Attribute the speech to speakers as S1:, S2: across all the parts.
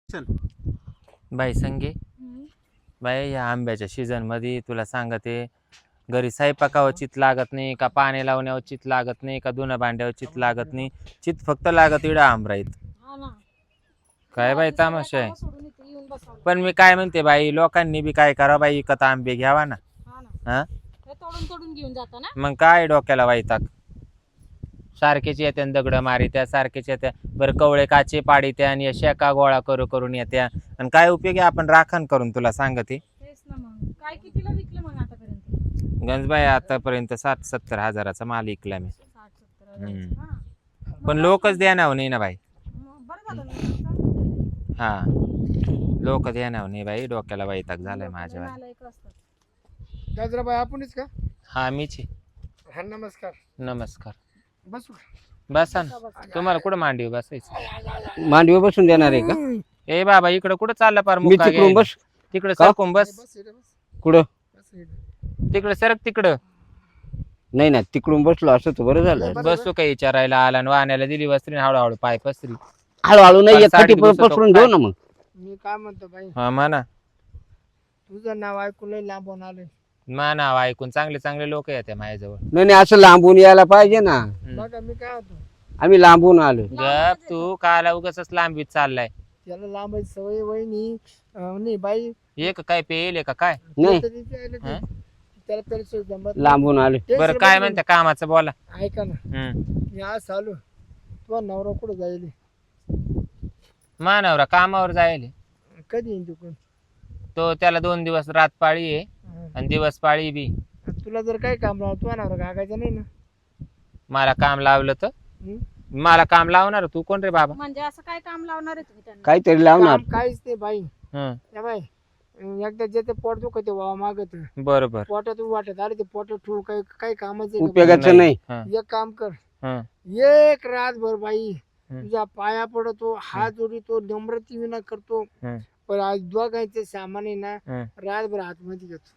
S1: चल
S2: बाई संगे बाई या आंब्याच्या सीझन मध्ये तुला सांगते घरी स्वयंपाकावर चित लागत नाही का पाणी लावण्यावर चित लागत नाही का धुणं भांड्यावर चित लागत नाही चित फक्त लागत इडा आंबराईत काय बाई तमाशा आहे पण मी काय म्हणते बाई लोकांनी बी काय करा बाई विकत आंबे घ्यावा ना हा
S3: तोडून घेऊन जाता ना
S2: मग काय डोक्याला वाईताक सारखेच येत्या दगड मारित्या सारखेच येत्या बरं कवळे काचे पाडीत्या आणि शेका गोळा करून येत्या आणि काय उपयोगी आपण राखण करून तुला सांगते
S3: तेच ना मग काय कितीला विकलं मग आतापर्यंत
S2: गंजबाई आतापर्यंत 60-70 हजाराचा माल विकला मी
S3: 60-70
S2: पण लोकच देणार नाही ना बाई
S3: बरं झालं ना, चांगलं झालं.
S2: हा लोक देणार नाही बाई डोक्याला वैताग झालाय माझ्या
S3: नालायक असतात.
S1: गजराबाई आपणच का?
S2: हा मीच आहे.
S1: हा नमस्कार.
S2: नमस्कार
S1: बसू.
S2: बसा ना तुम्हाला कुठं मांडीवर बसायचं
S4: मांडीवर बसून देणार आहे का?
S2: ए बाबा इकडं कुठं चाललं पार
S4: मी
S2: मुक्का
S4: तिकडून बस.
S2: तिकडं
S4: का?
S2: सरकून बस
S1: बस इकडे बस.
S4: कुठं?
S1: बस इकडे.
S2: तिकडं सरक तिकडं
S4: नाही ना, तिकडून बसलो असं तर बरं झालं.
S2: बसू काही विचारायला आला आणि वाहण्याला दिली वस्त्री हळूहळू पाय पसरी
S4: हळूहळू नाही,
S2: पण
S4: एक
S2: साडी
S4: खटी
S2: दिवसात
S4: पसरून
S2: काय?
S4: देऊ ना मग.
S1: मी काय म्हणतो बाई,
S2: हा म्हणा
S1: तुझं नाव ऐकून लय लांबून आलोय.
S2: नाव ऐकून चांगले चांगले लोक येते माझ्याजवळ
S4: नाही असं लांबून यायला पाहिजे ना.
S1: बघा मी काय होतो,
S4: आम्ही लांबून आलो.
S2: गप तू काला उगाच लांबीत चाललाय
S1: त्याला लांबायची सवय वहिनी नाही बाई.
S2: एक काय पेल का काय
S4: नाही.
S2: हा?
S1: त्याला तरी जमत
S4: लांबून आलो.
S2: बरं काय म्हणते कामाचं बोला
S1: ऐका ना, मी आज आलो, तुझा नवरा कुठं जाईल?
S2: मानवरा कामावर जायले
S1: कधी येईन तिकडून?
S2: तो त्याला 2 दिवस रात पाळी आहे आणि दिवस पाळी बी
S1: तुला जर काय काम लावलं, तुझा नवरा गागायचा नाही ना?
S2: मला काम लावलं तर
S1: हं?
S2: मला काम लावणार तू कोण रे बाबा
S3: म्हणजे असं काय काम लावणार आहे तुम्ही त्यांना?
S4: काहीतरी लावणार.
S1: काम काहीच नाही बाई.
S2: हं,
S1: या बाई, एकदा जे ते पोट दुखत वावा मागत
S2: बरोबर
S1: पोटात वाटत अरे ते पोटात ठेवू काही काही कामाचं आहे का
S4: उपयोगाचं नाही.
S2: हं,
S1: बाई? एक काम कर,
S2: हं,
S1: एक रातभर बाई
S2: हं.
S1: तुझ्या पाया पडतो, हात जोडीतो, नम्रती विना करतो.
S2: हं.
S1: पण आज दोघांचे सामान आहे ना,
S2: हं.
S1: रातभर हातमध्ये घेतो.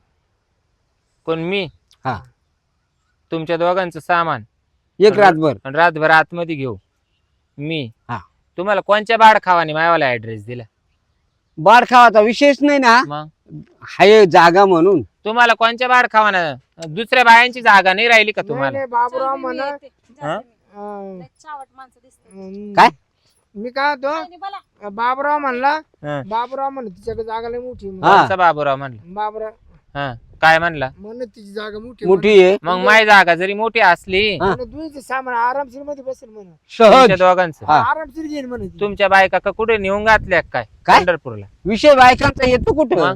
S2: कोण मी
S4: हा,
S2: तुमच्या दोघांचं सामान
S4: एक रातभर.
S2: आणि रातभर आतमध्ये घेऊ मी
S4: हा.
S2: तुम्हाला कोणच्या बाड खावानी मायावाला ऍड्रेस दिला
S4: बाड खावाचा विषयच नाही ना.
S2: मग
S4: हाय जागा म्हणून.
S2: तुम्हाला कोणच्या बाड खावाना दुसऱ्या बायांची जागा नाही राहिली का
S1: नाही
S2: तुम्हाला
S1: नाही, बाबूराव
S3: चल, मी
S1: म्हणा
S3: येते. जाते
S2: हं?
S3: मी. लय चावट माणसं दिसतात.
S4: काय?
S1: मी काय
S3: काय
S1: होतो,
S3: नाही बोला.
S1: बाबूराव म्हणला,
S2: हं.
S1: बाबूराव म्हण तिच्याकडे जागा लय मोठी आहे.
S4: हा.
S2: कोणचा बाबूराव म्हणलं
S1: बाबूराव
S2: हा काय म्हणला
S1: म्हण तिची जागा मोठी
S4: मोठी आहे.
S2: मग माझी जागा जरी मोठी असली
S4: हा.
S1: तुझं सामान आरामशीर मध्ये बसेल म्हण,
S4: सहज.
S2: तुमच्या दोघांचं
S4: हा.
S1: आरामशीर घेईन म्हण ती.
S2: तुमच्या बायका का कुठे नेऊन घातल्या काय
S4: काय?
S2: पंढरपूरला
S4: विषय बायकांचा येतो कुठं?
S2: मग?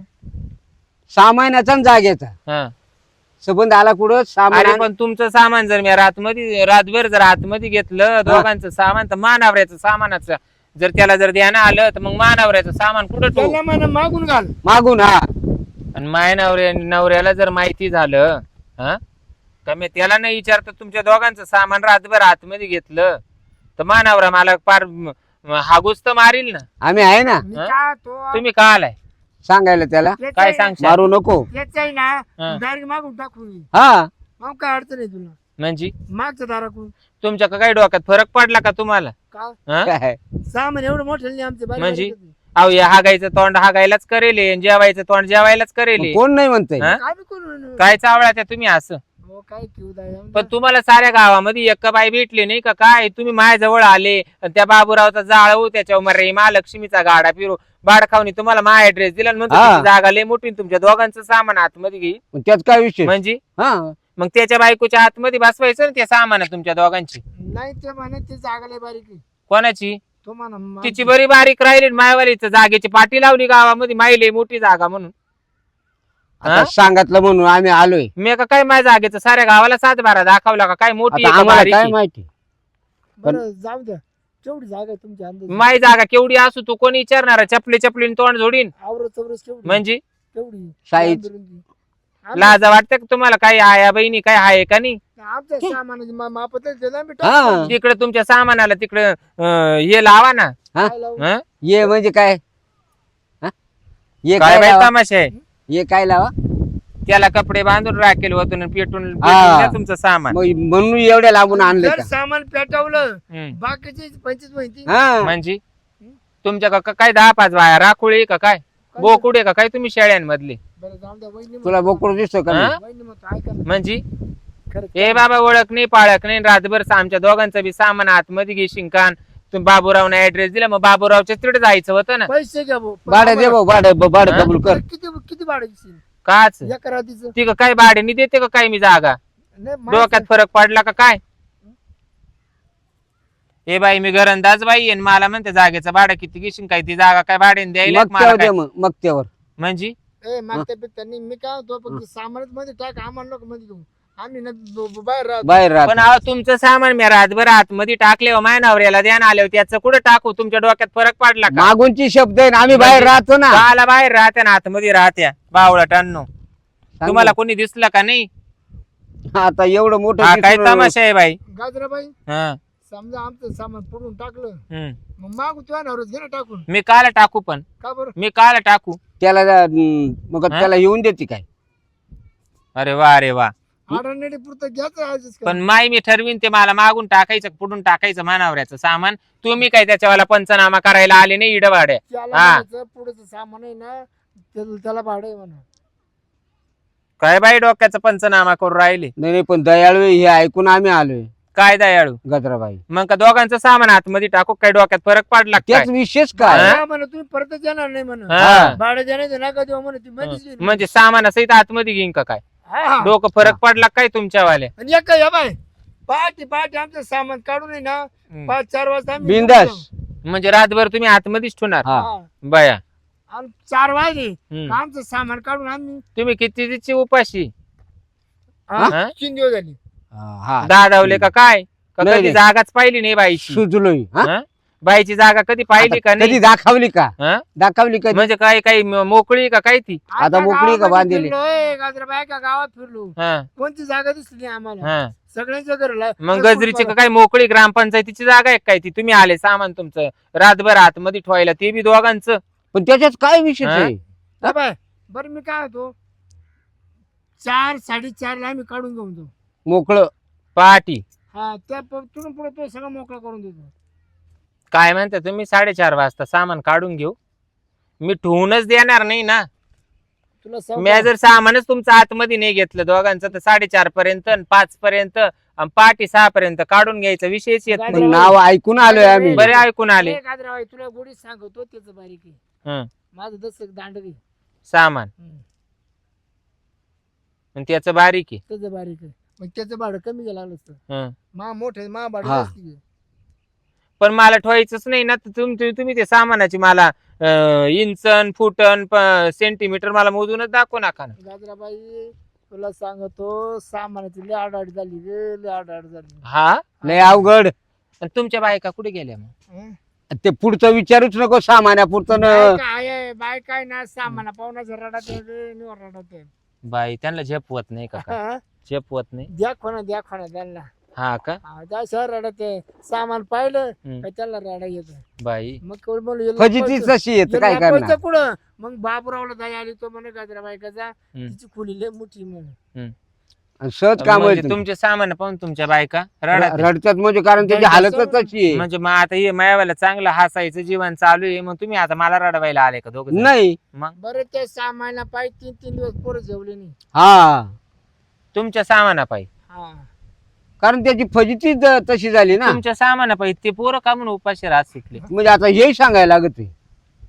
S4: सामानाचा आणि जागेचा
S2: हा.
S4: संबंध आला कुठं? सामान
S2: अरे पण तुमचं सामान जर मी रातभर जर आतमध्ये घेतलं दोघांचं सामान तर मानावऱ्याचं सामानाचं जर त्याला जर ध्यान आलं तर मग मानावऱ्याचं सामान कुठं ठेवू
S1: त्याला म्हण मागून घाल.
S4: मागून. हा,
S2: आणि माय नवऱ्याला जर माहिती झालं हा का मी त्याला नाही विचारत तुमच्या दोघांचं सामान रातभर आतमध्ये घेतलं तर मानावरा मला फार हागूच तर मारील ना
S4: आम्ही आहे ना.
S1: मी
S2: हं?
S1: काय तो
S2: तुम्ही का आलाय
S4: सांगायला त्याला.
S2: काय सांगशाल
S4: मारू नको.
S1: त्याच आहे ना,
S2: हं.
S1: डायरेक्ट मागून टाकून येईन.
S4: हा,
S1: मग काय अडचण आहे तुला?
S2: म्हणजे
S1: मागच्या दाराकडून
S2: तुमच्या काही डोक्यात फरक पडला का तुम्हाला
S1: का
S2: हा?
S4: काय?
S1: सामान एवढं मोठं नाही आमचे बारीक
S2: म्हणजे?
S1: बारीक होते.
S2: अहो या हागायचं तोंड हागायलाच करेल आणि जेवायचं तोंड जेवायलाच करेल
S4: मग कोण नाही म्हणतंय?
S2: हा?
S1: काय बी करू
S2: काय चावळा त्या तुम्ही असं
S1: हो, काय घेऊ द्या.
S2: पण तुम्हाला साऱ्या गावामध्ये एक बाई भेटली नाही का काय तुम्ही माझ्याजवळ आले आणि त्या बाबूरावचा जाळवू त्याच्यावर मरे महालक्ष्मीचा गाडा फिरू बाड खावणी तुम्हाला मा ऍड्रेस दिला आणि म्हणतो
S4: हा.
S2: तुमची जागा लय मोठी आणि तुमच्या दोघांचं सामान आतमध्ये घे
S4: मग त्यात काय विषय?
S2: म्हणजे
S4: हा,
S2: मग त्याच्या बायकोच्या आतमध्ये बसवायचं ना ते सामान तुमच्या दोघांची
S1: नाही ते म्हणे ते जागा लय बारीक आहे.
S2: कोणाची
S1: तो म्हणा
S2: तिची बरी बारीक राहिली मायवालीचं जागेची पाठी लावली गावामध्ये मायले मोठी जागा म्हणून
S4: आता
S2: हा?
S4: सांगितलं म्हणून आम्ही आलोय.
S2: मी का काय माझ्या जागेचं साऱ्या गावाला 7-12 दाखवला का काय मोठी
S4: आता
S2: आहे का
S4: आम्हाला
S2: बारीक
S4: काय
S2: आहे?
S4: माहिती?
S1: बरं जाऊ द्या, तेवढी जागा आहे तुमच्या अंदाज.
S2: माई जागा केवढी असू तू कोणी विचारणार चपलीने तोंड जोडीन
S1: आवरत चौरस केवढी
S2: म्हणजे
S1: केवढी
S4: साईज.
S1: रुंदी.
S2: लाज वाटते का तुम्हाला काही आया बहिणी काय आहे का नाही
S1: आमच्या सामानाची मापत
S4: हा.
S2: तिकडे तुमच्या सामानाला तिकडे हे लावा ना हं?
S4: ये म्हणजे काय? हा? ये
S2: काय
S4: काय
S2: बाई
S4: लावा?
S2: तमाशा आहे
S4: ये काय लावा?
S2: त्याला कपडे बांधून राखेल वतून आणि पेटून
S4: हा.
S2: द्या तुमचं सामान
S4: मग म्हणून एवढ्या लांबून आणलं
S1: जर
S4: का?
S1: सामान पेटवलं
S2: हं.
S1: बाकीचे 25 माहिती
S4: हा,
S2: म्हणजे तुमच्या का काय 10-5 बाया राखोळी का काय बोकुडे का काय तुम्ही शेळ्यांमधले
S1: बरं जाऊन द्या वहिनी
S4: तुला बोकड दिसतो का
S2: हा?
S4: नाही?
S1: वहिनी म्हणतो ऐका ना.
S2: म्हणजे
S1: खरं
S2: ए बाबा ओळख नाही पाळख नाही रातभर आमच्या दोघांचं बी सामान आतमध्ये घेशील कान तुम्ही बाबूरावने ऍड्रेस दिला मग बाबूरावच्या तिकडे जायचं होतं ना
S1: पैसे घ्या भाऊ. पण
S4: भाडं दे
S1: आम्हाला-
S4: भाऊ भाडं
S2: हा?
S4: कबूल कर.
S1: किती किती भाडं देशील?
S2: काच
S1: एका रात्रीचं
S2: ती का काय भाड्याने देते का काय मी जागा
S1: नाही माणसं-
S2: डोक्यात फरक पडला का काय ए बाई मी घरंदाज बाई आणि मला म्हणते जागेचं भाडं किती घेशील काय ती जागा काय भाड्याने द्यायला
S4: मग
S2: मला
S4: त्यावर
S2: काय?
S4: दे मग त्यावर
S2: म्हणजे
S1: ए मागच्या त्यांनी मी काय होतो फक्त सामानच मध्ये टाक आम्हाला नको मध्ये घेऊ आम्ही ना बाहेर राहतो.
S4: बाहेर
S2: पण
S4: राहत
S2: अहो तुमचं सामान मी रातभर आतमध्ये टाकले हो माय नवऱ्याला द्यान आले हो त्याचं कुठं टाकू तुमच्या डोक्यात फरक पडला का
S4: मागूनची शब्द आहे ना, आम्ही बाहेर
S2: म्हणजे
S4: राहतो ना.
S2: काला बाहेर राहत्या ना आतमध्ये राहत्या बावळटांनो तुम्हाला कोणी दिसलं का नाही
S4: आता एवढं मोठं
S2: हा काय
S4: दिसून-
S2: तमाशा आहे बाई
S1: गाजराबाई
S2: हा
S1: समजा आमचं सामान पडून टाकलं
S2: हम्म.
S1: मग मागू तुझ्या नवरच घे ना टाकून
S2: मी काला टाकू पण
S1: का बरं
S2: मी काला टाकू
S4: त्याला मग
S2: हा?
S4: त्याला येऊन देते काय
S2: अरे वा अरे वा
S1: आडणेडी पुरतं घ्यायचं आजच का?
S2: पण माई मी ठरवीन ते मला मागून टाकायचं पुढून टाकायचं मानावऱ्याचं सामान तुम्ही काय त्याच्यावाला पंचनामा करायला आले नाही इडवाड्या
S1: त्याला
S2: हा.
S1: म्हणायचं पुढचं सामान आहे ना त्याला भाडं आहे म्हणा
S2: काय बाई डोक्याचा पंचनामा करून राहिले
S4: नाही नाही, पण दयाळू आहे, हे ऐकून आम्ही आलोय
S2: काय दयाळू
S4: गजराबाई.
S2: मग का दोघांचं सामान आतमध्ये टाकू काय डोक्यात फरक पडला का
S4: त्याच
S2: काय
S4: विशेष काय
S2: हा?
S1: हा म्हणा तुम्ही परतच येणार नाही म्हणा
S2: हा.
S1: भाडं देण्याचं नका देऊ म्हणा ती मध्येच येईल.
S2: म्हणजे सामानासहित आतमध्ये घेईन का काय
S1: हा, हा.
S2: डोकं फरक पडला काय तुमच्यावाले
S1: आणि एक या बाय पहाटे आमचं सामान काढून आहे ना 5-4 वाजता आम्ही
S4: बिंदास
S1: निघून
S2: म्हणजे रातभर तुम्ही आतमध्येच ठेवणार
S4: हा
S1: जाऊ.
S2: बया
S1: हा. आणि 4 वाजले
S2: हम्म.
S1: का आमचं सामान काढून आम्ही
S2: तुम्ही किती तिची उपाशी
S1: हा,
S2: हा?
S1: 3 दिवस झाले
S4: हा
S2: दादावले का काय का
S4: नाही,
S2: कधी
S4: नाही.
S2: जागाच पाहिली नाही बाईची
S4: सुचलोय हा?
S2: हा? बाईची जागा कधी पाहिली का
S4: आता कधी
S2: नाही
S4: दाखवली का
S2: हा?
S4: दाखवली कधी
S2: म्हणजे काय काही मोकळी का काय ती
S4: आता मोकळी का बांधलेली?
S1: गाजराबाई का गावात फिरलो
S2: हा
S1: कोणती जागा दिसली नाही आम्हाला
S2: हा
S1: सगळ्यांच्या घरला
S2: मग गजरीची का काय मोकळी ग्रामपंचायतीची जागा आहे काय ती तुम्ही आले सामान तुमचं रातभर आतमध्ये ठेवायला ते बी दोघांचं
S4: पण त्याच्यात काय विशेष
S2: हा?
S4: आहे
S1: बाय बरं मी काय होतो 4-4:30 ला आम्ही काढून घेऊन जाऊ
S4: मोकळं
S2: पहाटी
S1: हा त्या तिथून पुढे तो सगळं मोकळा करून देतो
S2: काय म्हणता तुम्ही 4:30 वाजता सामान काढून घेऊ मी ठेवूनच देणार नाही ना
S1: तुला
S2: मी जर सामानच तुमचं आतमध्ये नाही घेतलं दोघांचं तर 4:30 पर्यंत 5 पर्यंत आणि पहाटे 6 पर्यंत काढून घ्यायचा विषयच येत
S4: पण
S2: नाही
S4: नाव ऐकून आलोय आम्ही
S2: बरे ऐकून आले
S1: गाजराबाई तुला गोडी सांगतो त्याचं बारीक आहे
S2: हं,
S1: माझं 10 दांड घे
S2: सामान आणि त्याचं बारीक आहे
S1: त्याचं बारीक आहे मग त्याचं भाडं कमी घ्यायला लागलं असतं
S2: हं.
S1: मोठे भाडं
S4: हा.
S1: जास्ती घे.
S2: पण मला ठेवायचंच नाही ना तर तुम्ही ते सामानाची मला इंचन फुटन सेंटीमीटर मला मोजूनच दाखवू नका ना
S1: गाजराबाई तुला सांगतो सामानाची लय आडाआड झाली रे लय आडाआड झाली
S2: हा
S4: लय अवघड
S2: आणि तुमच्या बायका कुठे गेल्या मग
S1: हं?
S4: ते पुढचं विचारूच नको सामान्या पुढचं
S1: बाय काय ना सामाना पाहुण्याचं रडात आहे रे, निवर रडात आहे.
S2: बाई त्यांना झेपवत नाही का काय?
S1: हा?
S2: झेपवत नाही
S1: द्या खोना त्यांना
S2: हा का
S1: त्या शहर रडत आहे सामान पाहिलं
S2: हं.
S1: का त्याला रडा येत
S2: बाई
S1: मग कोण बोलू याला
S4: फजितीच
S1: पैसे-
S4: तशी येत
S1: याला
S4: काय
S1: पैसे
S4: करणार
S1: कुठं मग बाबूरावला दया आली तो म्हणे गाजराबाई कसा
S2: हं.
S1: तिची खोली लय मोठी म्हणून
S4: आणि सहज काम
S2: म्हणजे तुमचे सामान पाहून तुमच्या बायका रडत
S4: रडतात म्हणजे कारण त्याची
S1: रडतात
S4: हालतच तशी आहे
S2: म्हणजे मग आता हे मायावाला चांगलं हसायचं जीवन चालू आहे मग तुम्ही आता मला रडवायला आले का दोघं
S4: नाही
S2: मग
S1: बरं त्या सामाना पाय 3 दिवस पोरं जेवले नाही
S4: हा
S2: तुमच्या सामानापायी
S1: हा
S4: कारण त्याची फजिती तशी झाली ना
S2: तुमच्या सामानापायी ते पोरं का म्हणून उपाशी राहत शिकले
S4: म्हणजे आता हे सांगायला लागत आहे.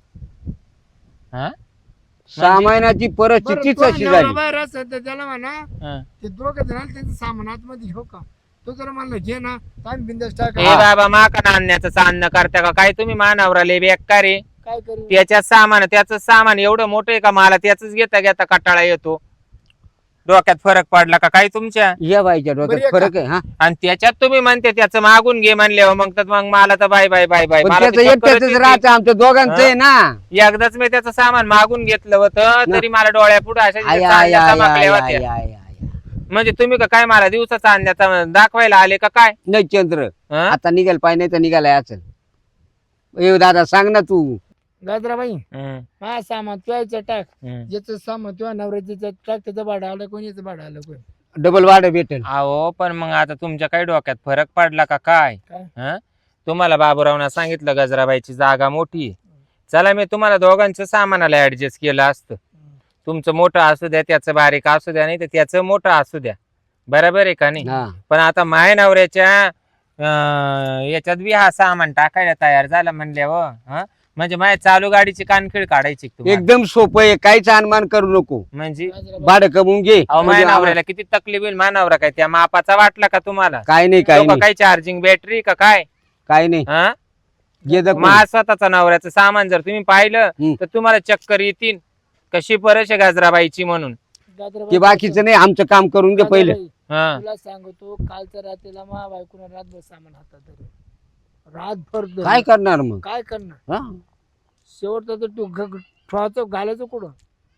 S2: हा?
S4: सामानाची परिस्थिती तशी झाली
S1: बाहेर असेल तर त्याला म्हणा
S2: हा.
S1: ते दोघं जण त्यांचं सामान आतमध्ये घेऊ का तो जर म्हणलं घे ना ताण बिंदास टाक
S2: ए बाबा माका आणण्याचं चांदणं करता का काय तुम्ही मानावराले बेकार रे
S1: काय करू
S2: त्याचं सामान एवढं मोठं आहे का मला त्याच घेता घेता कटाळा येतो डोक्यात फरक पडला का काय तुमच्या
S4: या बाईच्या
S1: बरं,
S4: डोक्यात
S1: एका-
S4: फरक आहे हा
S2: आणि त्याच्यात तुम्ही म्हणते त्याचं मागून घे म्हणल्यावर मग मला तर बाय बाय बाय बाय
S4: पण
S2: मला
S4: त्याचं
S2: तर चक्करच
S4: एकट्याच
S2: येते.
S4: राहतं आमच्या दोघांचं आहे ना
S2: एकदाच मी त्याचं सामान मागून घेतलं होतं तरी मला डोळ्या पुढे अशा
S4: आय,
S2: चांदण्या
S4: आय, आय,
S2: चमकल्या
S4: आय,
S2: होत्या.
S4: आय, आय, आय.
S2: म्हणजे तुम्ही का काय मला दिवसाचा आणण्याचा दाखवायला आले का काय
S4: नाही चंद्र
S2: हं?
S4: आता निघाल पाहिजे नाही तर निघालाय असेल ए दादा सांग ना तू
S1: गाजराबाई
S2: हं,
S1: हा सामान तू यायचं टाक
S2: हं.
S1: याचं सामान तुझ्या नवऱ्याचं टाक त्याचं भाडं आलं कोणी याचं भाडं आलं कोणी
S4: डबल वाढ भेटेल
S2: अहो पण मग आता तुमच्या काही डोक्यात फरक पडला का काय
S1: काय?
S2: हं? तुम्हाला बाबूरावना सांगितलं गजराबाईची जागा मोठी आहे. चला मी तुम्हाला दोघांचं सामानाला ऍडजस्ट केलं असतं. तुमचं मोठं असू द्या, त्याचं बारीक असू द्या, नाही तर त्याचं मोठं असू द्या, बरोबर आहे का नाही.
S4: हा.
S2: पण आता माय नवऱ्याच्या याच्यात बी हा सामान टाकायला तयार झाला म्हणल्यावर म्हणजे माझ्या चालू गाडीची कानखीळ काढायची का तुम्हाला?
S4: एकदम सोपं आहे, काहीच अनुमान करू नको.
S2: म्हणजे
S4: भाडं कमवून घे.
S2: अहो
S4: म्हणजे
S2: माझ्या नवऱ्याला किती तकलीफ होईल. माझ्या नवरा काय त्या मापाचा वाटला का तुम्हाला?
S4: काय नाही काय
S2: तो का
S4: नाही
S2: काय चार्जिंग बॅटरी का काय?
S4: काय नाही
S2: हा
S4: घे दखून.
S2: माझ्या स्वतःचा नवऱ्याचं सामान जर तुम्ही पाहिलं तर तुम्हाला चक्कर येतील. कशी परश गाजराबाईची म्हणून.
S4: ते बाकीचं नाही, आमचं काम करून घे पहिलं.
S2: हा
S1: तुला सांगतो कालच्या रात्रीला मा बायकोनं रातभर सामान हातात धरलं. रातभर धरलं.
S4: काय करणार मग?
S1: काय करणार
S4: हा?
S1: शेवटचा तर तू ठेवायचं घालायचं कुठं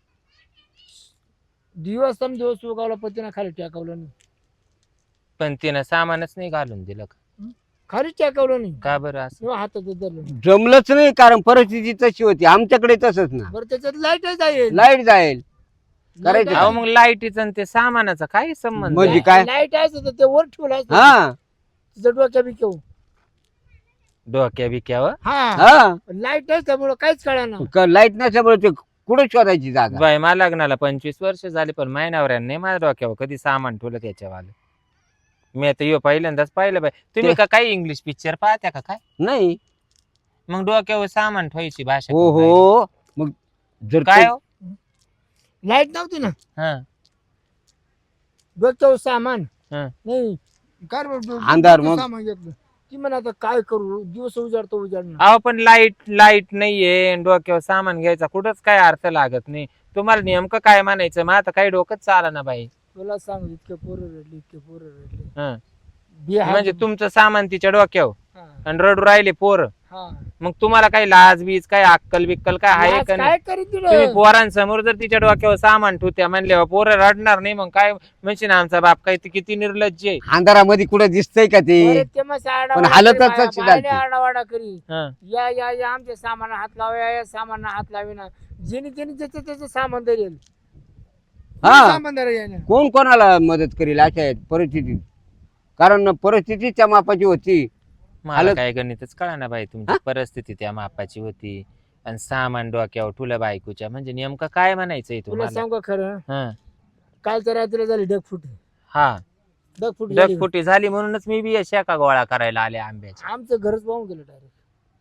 S1: दिवस उगावला पतीनं खाली टाकवलं नाही.
S2: पण तिनं सामानच नाही घालून दिलं का?
S1: खाली टाकवलं नाही
S2: का बरं असं?
S1: किंवा हातात धरलं नाही.
S4: जमलंच नाही, कारण परिस्थिती तशी होती आमच्याकडे. तसंच ना,
S1: बरं त्याच्यात लाईट जाईल.
S4: लाईट जाईल. करायचं
S1: Light
S2: अहो
S1: आहे.
S2: मग लाईटीचं आणि ते सामानाचा काय संबंध
S4: म्हणजे
S2: आहे?
S4: काय?
S1: लाईट आहे तर ते वर ठेवलं असतं.
S4: हा
S1: तिचं डोक्या बी केव
S2: डोक्या बिक्यावर
S1: हा
S4: हा
S1: लाईट आहे त्यामुळं काहीच कळणार.
S4: लाईट नसल्यामुळे ते कुठे शोधायची जागा?
S2: बाय मला लग्नाला 25 वर्ष झाली पण माझ्या नवऱ्याने माझ्या डोक्यावर कधी सामान ठेवलं त्याच्यावालं. मी आता यो पहिल्यांदाच पाहिलं बाय. तुम्ही का काही इंग्लिश पिक्चर पाहत्या का काय?
S4: नाही.
S2: मग डोक्यावर सामान ठेवायची भाषा
S4: हो
S2: करून
S4: हो मग जर
S2: राहिली. काय हो?
S1: लाईट नव्हती ना
S2: हा
S1: डोक्यावर सामान
S2: हा.
S1: नाही काय रे डो-
S4: अंधार
S1: डोक्यावर
S4: मग.
S1: सामान घेतलं ती म्हणा आता काय करू दिवस उजाडतो उजाडणार.
S2: अहो पण लाईट नाहीये डोक्यावर सामान घ्यायचा कुठंच काय अर्थ लागत नाही. तुम्हाला नेमकं काय म्हणायचं मग आता काही डोकंच चाला ना बाई.
S1: तुला सांग इतके पोरं रडले इतके पोरं रडले
S2: हं.
S1: बिहार-
S2: म्हणजे तुमचं सामान तिच्या डोक्यावर
S1: हा,
S2: आणि रडू राहिले पोर.
S1: हा.
S2: मग तुम्हाला काही लाज बीज काय अक्कल बिक्कल काय आहे
S1: आज
S2: का नाही?
S1: काय करीत
S2: तुम्ही
S1: दिलं
S2: पोरांसमोर जर तिच्या डोक्यावर सामान ठेवत्या म्हणल्यावर पोरं रडणार नाही. मग काय म्हणजे ना आमचा बाप काय किती निर्लज्ज आहे.
S4: अंधारामध्ये कुठं दिसतंय का ते?
S1: बरं, ते मग
S4: पण हालतच तशी झाली.
S1: आरडावाडा करी
S2: हं.
S1: या आमच्या सामाना हात लावा या सामाना हात लावेना जेणे त्याने त्याचं सामान धरेल
S4: हा.
S1: सामान धरेल
S4: कोण कोणाला मदत करेल अशा परिस्थितीत? कारण परिस्थिती त्या मापाची होती.
S2: मला
S4: हालत-
S2: काय गणितच कळा ना बाई. तुमची परिस्थिती त्या मापाची होती आणि सामान डोक्यावर ठुलं बायकोच्या म्हणजे नेमकं काय म्हणायचंय
S1: तुला
S2: तुम्हाला?
S1: सांगू का खरं
S2: हं.
S1: कालच्या रात्रीला झाली ढगफुटी
S2: हा
S1: ढगफुटी झाली.
S2: ढगफुटी झाली म्हणूनच मी बी अशा का गोळा करायला आले आंब्याच्या.
S1: आमचं घरच पाहून गेलं डायरेक्ट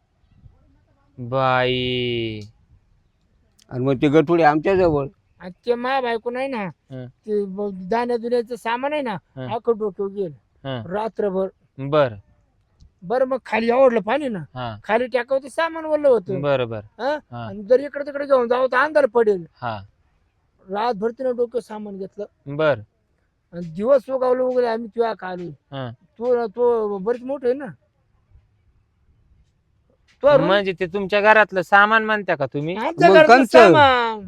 S2: बाई
S4: आणि मग ते गठुडे आमच्या जवळ.
S1: आणि ते मा बायको नाही ना
S2: हं.
S1: ते दाण्या दुन्याचं सामान आहे ना
S2: हं.
S1: अख्खं डोक्यावर गेलं
S2: हं.
S1: रात्रभर.
S2: बर
S1: बरं मग खाली आवडलं पाणी ना
S2: हा
S1: खाली टाकावं ते सामान वरलं होतं
S2: बरोबर
S1: हं?
S2: हा
S1: आणि जर इकडे तिकडे घेऊन जावं तर अंधार पडेल.
S2: हा
S1: रातभर तिनं डोकं सामान घेतलं
S2: बर
S1: आणि दिवस उगावलं वगैरे आम्ही तुझ्या खाली
S2: हं.
S1: तो बरीच मोठं आहे ना तो room-
S2: म्हणजे ते तुमच्या घरातलं सामान म्हणता का तुम्ही?
S1: आमच्या
S4: मग
S1: घरातलं
S4: कंचं?
S1: सामान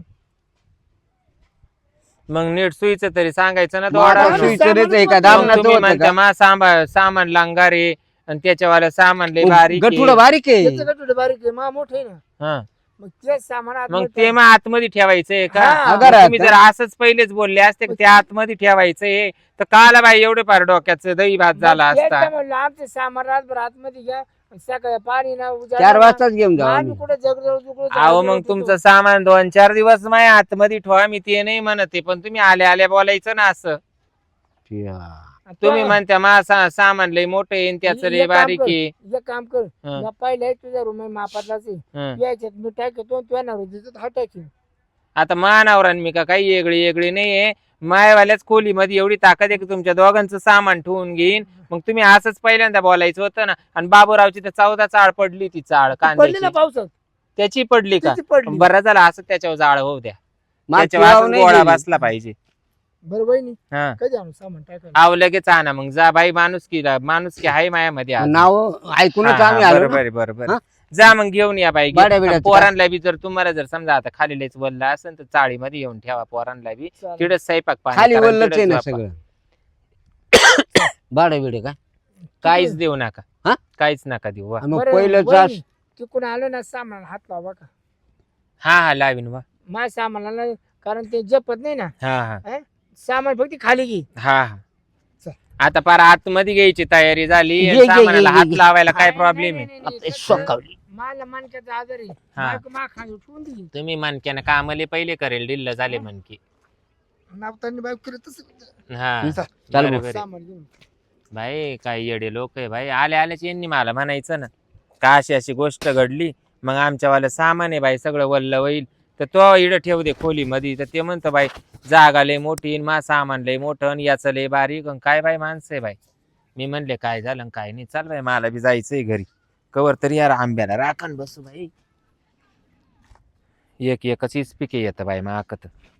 S2: मग नीट सुईचं तरी सांगायचं ना.
S4: मग आता
S1: वाढवलं.
S4: सुईचं रेचं आहे का?
S1: मग
S4: दामनाचं
S2: तुम्ही
S4: होतं
S2: म्हणता
S4: का?
S2: मा सामान लांगारे आणि त्याच्यावाला सामान लय बारीक आहे.
S4: गठुडं बारीक आहे.
S1: त्याचं गठुडं बारीक आहे मा मोठं आहे ना
S2: हं.
S1: मग तेच सामान
S2: मग
S1: आतमध्ये
S2: ते मग आतमध्ये ठेवायचंय का?
S1: हा.
S2: मग तुम्ही जर असंच पहिलेच बोलले असते की ते आतमध्ये ठेवायचंय तर काला बाई एवढे फार डोक्याचं दही भात झाला
S1: मग तेच
S2: असता.
S1: तर म्हणलं आमचे सामान रातभर आतमध्ये घ्या सकाळी पाणी ना
S4: 4 वाजताच घेऊन जाऊ
S1: आम्ही
S4: आम्ही.
S1: कुठे
S2: अहो मग तुमचं सामान 2-4 दिवस माझ्या आतमध्ये ठेवा. मी ते नाही म्हणते पण तुम्ही आल्या आल्या बोलायचं ना असं. तुम्ही म्हणता मा सामान लय मोठं आहे आणि त्याचं लय बारीक आहे.
S1: एक काम कर
S2: हं.
S1: या पाहिलंय तुझ्या रूम मापातलाच आहे
S2: हं.
S1: याच्यात मी टाकतो तुझ्या नाव हा टाकीन
S2: आता मानावरान मी का काही वेगळी नाहीये. मायवाल्याच खोलीमध्ये एवढी ताकद आहे की तुमच्या दोघांचं सामान ठेवून घेईन. मग तुम्ही असंच पहिल्यांदा बोलायचं होतं ना. आणि बाबूरावची तर 14 चाळ पडली ती चाळ
S1: पडली ना
S2: कांद्याची
S1: पावसात
S2: त्याची पडली का?
S1: त्याची पडली
S2: बरं झालं असं त्याच्यावर जाळ होऊ द्या.
S4: मागची
S2: त्याच्यावर
S4: वाव
S2: असंच
S4: नाही
S2: गोळा
S4: गेली.
S2: बसला पाहिजे.
S1: बरं बहिणी
S2: हा
S1: कधी आणू सामान टाकायला
S2: आव लगेच आणा मग जा बाई. माणुसकी आहे मायामध्ये आज.
S4: नाव ऐकूनच
S2: हा,
S4: आम्ही
S2: हा,
S4: आलो
S2: बरोबर
S4: ना.
S2: बरोबर
S4: हा?
S2: जा मग घेऊन या बाई.
S4: बाड्या बिड्याचं
S2: पोरांना बी जर तुम्हाला जर समजा आता खाली लयच वल्ला असेल तर चाळीमध्ये येऊन ठेवा पोरांना बी.
S1: चालेल.
S2: तिथंच स्वयंपाक पाणी
S4: खाली
S2: करा,
S4: वल्लच आहे
S2: तिथंच
S4: ना
S2: झोपा.
S4: सगळं. भाडं बिडे काय?
S2: काहीच देऊ नका.
S4: हा?
S2: काहीच नका देऊ वा.
S4: आणि मग
S1: बरं,
S4: पहिलं
S1: वहिनी, तिकडून आलं ना सामान हात लावा का
S2: हा लावीन वा.
S1: माझ्या सामानाला कारण ते जपत नाही ना
S2: हा
S1: सामान फक्त खाली घे
S2: हा
S1: चल.
S2: आता पार आतमध्ये घ्यायची तयारी झाली
S4: घे,
S2: आणि
S4: घे,
S2: सामानाला
S4: घे,
S2: हात
S4: घे.
S2: लावायला काय
S1: नाही,
S2: प्रॉब्लेम
S1: नाही,
S2: आहे?
S1: नाही, नाही,
S4: आता
S1: कसं-
S4: सोकावली.
S1: मला मानक्याचा आजार आहे
S2: हा.
S1: बायको मा खाली उठवून दिली
S2: तुम्ही मनक्यानं कामाले पहिले करेल डिल्ल झाले मनकी
S1: नापतानी बायको करत तसं
S2: हा
S4: चाल
S2: बरोबर आहे.
S1: सामान घेऊन
S2: भाई काही येडे लोक आहे भाई आले आल्याच यांनी मला म्हणायचं ना का अशी अशी गोष्ट घडली मग आमच्यावालं सामान आहे बाई सगळं वल्ल होईल तर तो इडं ठेव दे खोलीमध्ये तर ते म्हणतं बाई जागा लय मोठी मा सामान लय मोठं आणि याचं लय बारीक आणि काय बाई माणसं आहे बाई मी म्हणले काय झालं आणि काय नाही चाल बाई मला बी जायचंय घरी कवर तरी यार आंब्याला राखण बसू बाई एक एकच इस्पिके येतं बाई माकत